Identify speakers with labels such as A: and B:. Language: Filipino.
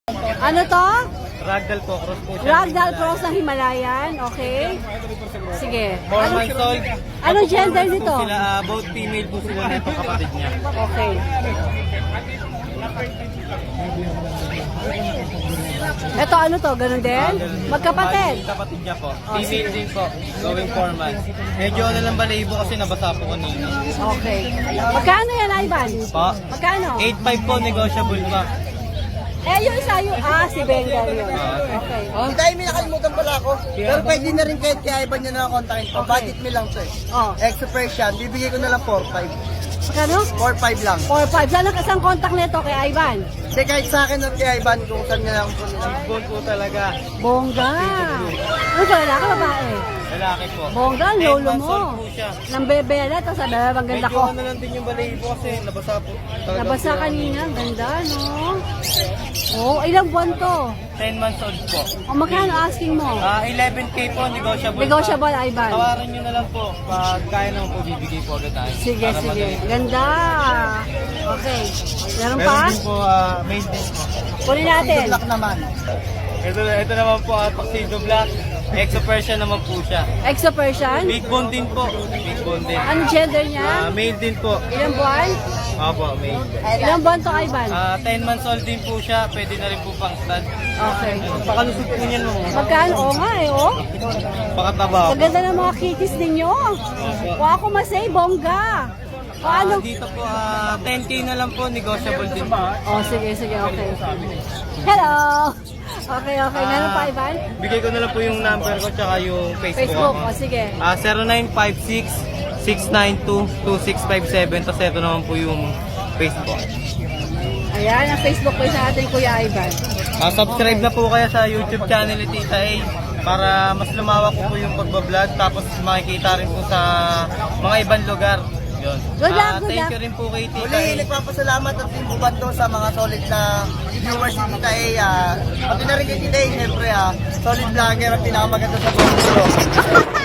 A: Ano to?
B: Ragdoll po, cross po siya.
A: Ragdoll cross ng Himalayan. Okay. Sige.
B: 4 months old.
A: Ano gender nito?
B: Sila, both female po sila nito kapatid niya.
A: Okay. Ito ano to? Ganun din? Magkapatid?
B: Kapatid niya po. Female din po. Going 4 months. Medyo ano lang balahibo kasi nabasa po kanina.
A: Okay. Magkano yan, Ivan?
B: Po.
A: Magkano?
B: 8.5 po, negotiable pa.
A: Eh, yung isa yung, si Bengal yun. Okay.
C: Dahil may nakalimutan pala ako. Pero pwede na rin kahit kaya Ivan nyo na kontakin ko. Budget me lang to eh.
A: Oh.
C: Extra Persian, bibigay ko na lang 4.5.
A: Magkano?
C: 4.5 lang.
A: 4-5. Saan ang kasang contact nito kay Ivan?
C: Hindi kahit sa akin at kay Ivan kung saan nyo lang po nila.
B: Gold po talaga.
A: Bongga. Ano ba? Lalaki babae?
B: Lalaki po.
A: Bongga, ang
B: 10
A: lolo
B: months
A: mo.
B: old po siya.
A: Nang bebe na, tapos sabi, ang ganda
B: Medyo
A: ko.
B: ano lang din yung balahibo kasi nabasa po. Talaga
A: Nabasa
B: po.
A: kanina, ang ganda, no? Oh, ilang buwan to?
B: 10 months old po.
A: O magkano asking mo?
B: 11K po, negotiable.
A: Negotiable, Ivan.
B: Tawaran nyo na lang po. Pag kaya naman po, bibigay po agad tayo.
A: Sige,
B: Para
A: sige.
B: madali.
A: Ganda. Okay. Meron
B: Meron
A: pa?
B: din po, main din po.
A: Kunin natin.
C: Good luck naman.
B: Ito naman po, Tuxedo Black. Exo Persian naman po siya.
A: Exo Persian?
B: Big bone din po. Big bone din.
A: Ano gender niya?
B: Male din po.
A: Ilang buwan?
B: Opo, male.
A: Ilang buwan to, Ivan?
B: 10 months old din po siya. Pwede na rin po pang stud.
A: Okay.
B: Pakalusog po niyan mo.
A: Magkano? Oo nga eh, oh.
B: Pakataba po.
A: Ang ganda ng mga kitties ninyo. Kuha ako masay, bongga. O ano?
B: Dito po, 10K na lang po. Negotiable din po.
A: Oh, sige, sige, okay. Hello! Okay, okay. Meron pa, Ivan?
B: Bigay ko na lang po yung number ko tsaka yung Facebook,
A: Facebook,
B: ako.
A: o sige.
B: 0956-692-2657. Tapos ito naman po yung Facebook.
A: Ayan, ang Facebook page natin, Kuya Ivan.
B: Subscribe na po kayo sa YouTube channel ni Tita A para mas lumawak po yung pagbablog. Tapos makikita rin po sa mga ibang lugar. Yun.
A: Good luck, good
B: Thank
A: luck.
B: you rin po kay Tita
C: Muli,
B: A.
C: nagpapasalamat at Team Bubando sa mga solid na viewers ni Tita A. Pati na rin kay Tita A, siyempre solid vlogger at pinakamaganda sa mundo.